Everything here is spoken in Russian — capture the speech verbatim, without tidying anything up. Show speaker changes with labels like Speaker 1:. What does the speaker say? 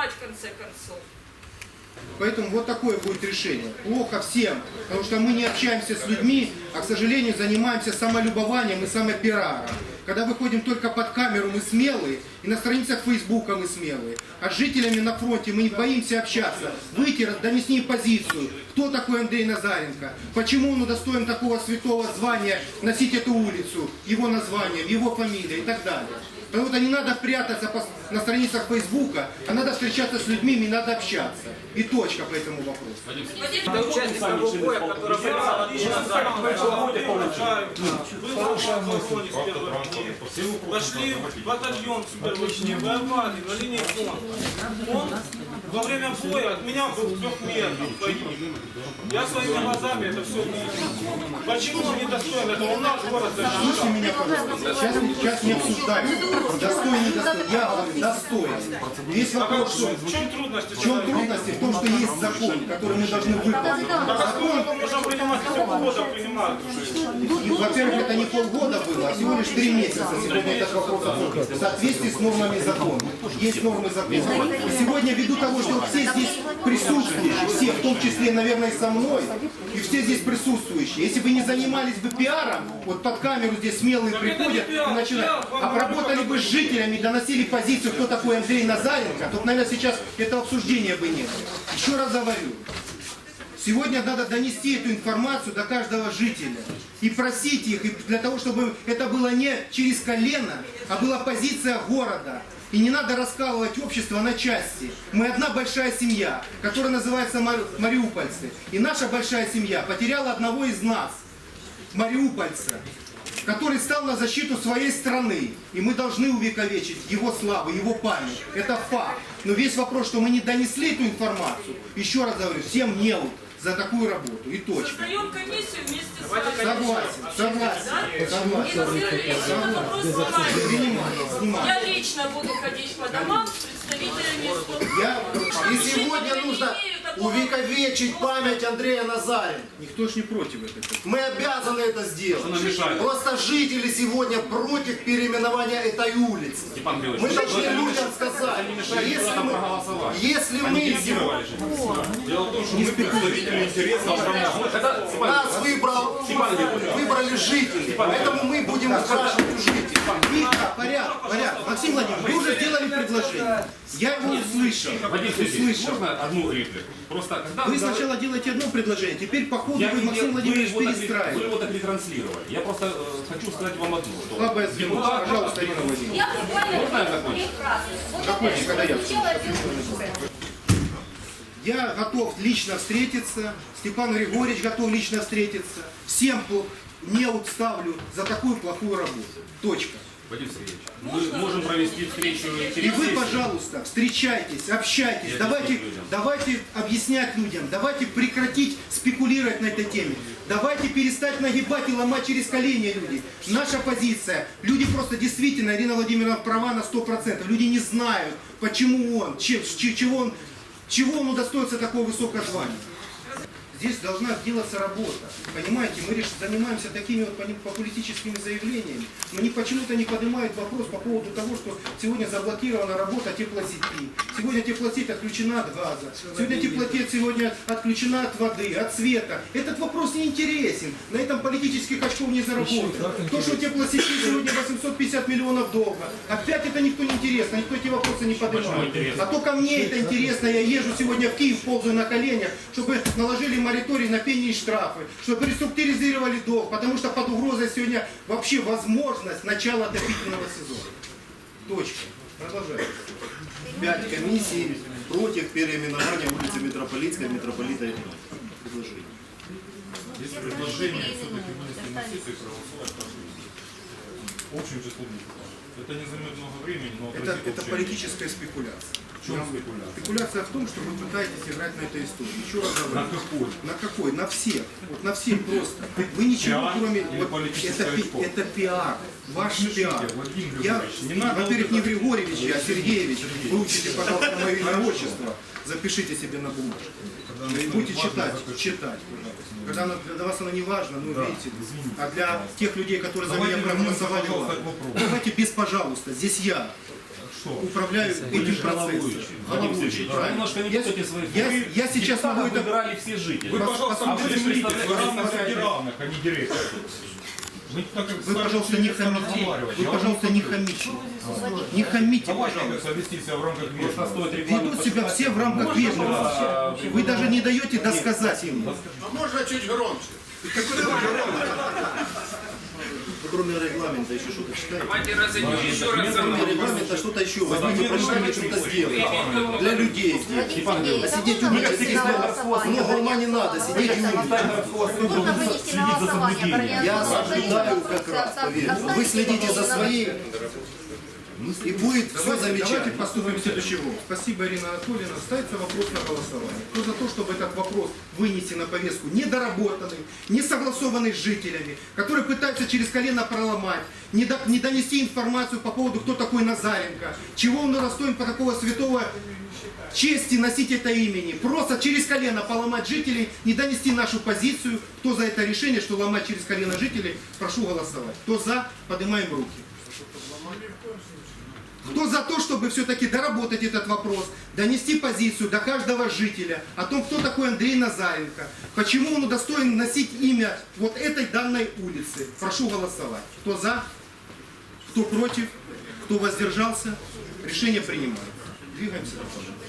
Speaker 1: понимать в конце концов.
Speaker 2: Поэтому вот такое будет решение. Плохо всем, потому что мы не общаемся с людьми, а, к сожалению, занимаемся самолюбованием и самопиаром. Когда выходим только под камеру, мы смелые, и на страницах Фейсбука мы смелые. А с жителями на фронте мы не боимся общаться, выйти, донести им позицию. Кто такой Андрей Назаренко? Почему он удостоен такого святого звания носить эту улицу, его названием, его фамилией и так далее. Потому что не надо прятаться на страницах Фейсбука, а надо встречаться с людьми, и надо общаться. И точка по этому вопросу.
Speaker 3: Это участник того боя, который брал лично за Пошли в батальон с первых дней, воевали на линии фронта. Он во время боя от меня был в трех метрах. Я своими глазами это все видел. Почему он не достоин этого? У нас город
Speaker 2: Слушайте меня, пожалуйста. Сейчас, сейчас не обсуждаем. Достоин, не достоин. Я говорю, достоин. Весь вопрос, что...
Speaker 3: В чем трудности?
Speaker 2: В чем трудности? В том, что есть закон, который мы должны выполнить.
Speaker 3: Закон можно принимать, если полгода принимают.
Speaker 2: Во-первых, это не полгода было, а всего лишь три месяца сегодня этот вопрос обсуждается. В соответствии с нормами закона. Есть нормы закона. И сегодня, ввиду того, что все здесь присутствующие, все, в том числе, наверное, и со мной, и все здесь присутствующие, если бы не занимались бы пиаром, вот под камеру здесь смелые приходят и начинают, а поработали бы с жителями, доносили позицию, кто такой Андрей Назаренко, то, наверное, сейчас этого обсуждения бы не было. Еще раз говорю. Сегодня надо донести эту информацию до каждого жителя и просить их, и для того, чтобы это было не через колено, а была позиция города. И не надо раскалывать общество на части. Мы одна большая семья, которая называется мариупольцы. И наша большая семья потеряла одного из нас, мариупольца, который стал на защиту своей страны. И мы должны увековечить его славу, его память. Это факт. Но весь вопрос, что мы не донесли эту информацию, еще раз говорю, всем неуд за такую работу. И точка.
Speaker 1: Создаем комиссию вместе с вами.
Speaker 2: Согласен, согласен. Согласен.
Speaker 1: Я лично буду ходить по домам с представителями.
Speaker 4: Я... И сегодня нужно увековечить память Андрея Назаренко.
Speaker 2: Никто ж не против этого.
Speaker 4: Мы обязаны это сделать. Просто жители сегодня против переименования этой улицы. Мы должны людям сказать, что если мы, если мы сегодня...
Speaker 5: Дело в том, что мы представители интересов громадян.
Speaker 4: Нас выбрал, выбрали жители, поэтому мы будем спрашивать у жителей.
Speaker 2: Тихо, порядок, порядок. Максим Владимирович, вы уже сделали предложение. Я его услышал. услышал.
Speaker 5: Можно одну реплику? Просто, когда
Speaker 2: Вы сначала делаете одно предложение, теперь по ходу
Speaker 5: я
Speaker 2: вы,
Speaker 5: не
Speaker 2: Максим
Speaker 5: дел-
Speaker 2: Владимирович,
Speaker 5: вы его так- Вы
Speaker 2: перестраиваете.
Speaker 5: его так ретранслировали. Я просто э, хочу сказать вам одно. Что
Speaker 2: Слабая звено.
Speaker 5: депутат-
Speaker 2: Пожалуйста, Ирина Владимировна.
Speaker 6: Я буквально
Speaker 5: Можно я
Speaker 6: три
Speaker 5: закончу?
Speaker 6: фразы. Вот
Speaker 2: Закончи,
Speaker 6: это
Speaker 2: когда я
Speaker 6: прозвучало один.
Speaker 2: Я готов лично встретиться, Степан Григорьевич готов лично встретиться. Всем не ставлю за такую плохую работу. Точка.
Speaker 5: Вадим Сергеевич, мы можем провести встречу
Speaker 2: И вы, пожалуйста, встречайтесь, общайтесь,
Speaker 5: Я
Speaker 2: давайте,
Speaker 5: людям.
Speaker 2: давайте объяснять людям, давайте прекратить спекулировать на этой теме, давайте перестать нагибать и ломать через колени люди. Наша позиция, люди просто действительно, Ирина Владимировна права на сто процентов, люди не знают, почему он, чем, чего он, чего он удостоится такого высокого звания. Здесь должна делаться работа. Понимаете, мы лишь занимаемся такими вот популистическими заявлениями, но они почему-то не поднимают вопрос по поводу того, что сегодня заблокирована работа теплосети. Сегодня теплосеть отключена от газа. Сегодня теплосеть сегодня отключена от воды, от света. Этот вопрос не интересен. На этом политических очков не заработает. То, что теплосети сегодня восемьсот пятьдесят миллионов долга. Опять это никто не интересно, никто эти вопросы не поднимает. А только мне это интересно. Я езжу сегодня в Киев, ползаю на коленях, чтобы наложили мораторий на пени и штрафы, чтобы реструктуризировали долг, потому что под угрозой сегодня вообще возможность начала отопительного сезона. Точка. Продолжаем.
Speaker 4: Пять комиссий против переименования улицы Митрополитской, митрополита Ильина. Предложение.
Speaker 5: Есть предложение все-таки вынести на сессию и проголосовать общим числом депутатов. Это не займет много времени, но
Speaker 2: Это, это политическая спекуляция.
Speaker 5: В чем спекуляция?
Speaker 2: Спекуляция в том, что вы пытаетесь играть на этой истории. Еще раз говорю.
Speaker 5: На какой?
Speaker 2: На какой? На всех. Вот на всех просто. Вы ничего
Speaker 5: Пиар
Speaker 2: кроме...
Speaker 5: или
Speaker 2: Вот,
Speaker 5: политическая
Speaker 2: это, пи-
Speaker 5: школа?
Speaker 2: это пиар. Ваш
Speaker 5: Слушайте,
Speaker 2: пиар.
Speaker 5: Владимир
Speaker 2: Я,
Speaker 5: Григорьевич, не надо
Speaker 2: во-первых,
Speaker 5: вот
Speaker 2: не
Speaker 5: это-
Speaker 2: Григорьевич, а Сергеевич.
Speaker 5: Сергеевич.
Speaker 2: Выучите, пожалуйста, мое имя и отчество. Запишите себе на бумажку. И будете читать, читать, пожалуйста. Когда оно, для вас оно не важно, ну видите. А для тех людей, которые за меня
Speaker 5: Давайте
Speaker 2: проголосовали,
Speaker 5: вернемся, пожалуйста,
Speaker 2: ладно.
Speaker 5: к вопросу.
Speaker 2: Давайте без пожалуйста. Здесь я. управляю этим процессом. Головующий, правильно.
Speaker 6: Немножко не
Speaker 2: Я,
Speaker 6: путайте своих.
Speaker 2: я, я сейчас могу это...
Speaker 6: выбирали все жители.
Speaker 5: Вы, пожалуйста,
Speaker 6: А вы
Speaker 5: будете смотрите,
Speaker 6: представляете,
Speaker 5: вы равных
Speaker 6: представляете-
Speaker 5: среди равных, а не директор. Вы, так как
Speaker 2: Вы,
Speaker 5: старший
Speaker 2: пожалуйста, не
Speaker 5: человек,
Speaker 2: хамите.
Speaker 5: разговаривать.
Speaker 2: Вы,
Speaker 5: Я вам
Speaker 2: пожалуйста, не хамите. Не хамите,
Speaker 5: Давайте
Speaker 2: пожалуйста.
Speaker 5: вести себя в рамках
Speaker 6: Просто
Speaker 5: вежливости.
Speaker 6: стоит регламент
Speaker 2: Ведут себя
Speaker 6: почитать.
Speaker 2: все в рамках вежливости. Вы даже не даете досказать им.
Speaker 7: А можно чуть громче?
Speaker 4: Кроме регламента еще что-то читаете?
Speaker 8: Давайте разойдем еще раз.
Speaker 4: Кроме регламента что-то еще. Возьмите, прочитайте, что-то сделать. Для людей здесь. А сидеть умничать, много ума не надо, сидеть и умничать.
Speaker 9: Нужно вынести на голосование.
Speaker 4: Я осуждаю как раз, поверьте. Вы следите за своей, и будет все
Speaker 2: Давайте, давайте
Speaker 4: замечательно.
Speaker 2: поступим следующим образом. Спасибо, Ирина Анатольевна. Ставится вопрос на голосование. Кто за то, чтобы этот вопрос вынести на повестку недоработанный, не согласованный с жителями, которые пытаются через колено проломать, не, до- не донести информацию по поводу, кто такой Назаренко, чего он достоин по такого святого чести носить это имени, просто через колено поломать жителей, не донести нашу позицию. Кто за это решение, что ломать через колено жителей, прошу голосовать. Кто за, поднимаем руки. Кто за то, чтобы все-таки доработать этот вопрос, донести позицию до каждого жителя о том, кто такой Андрей Назаренко, почему он удостоен носить имя вот этой данной улицы. Прошу голосовать. Кто за, кто против, кто воздержался, решение принимается. Двигаемся дальше.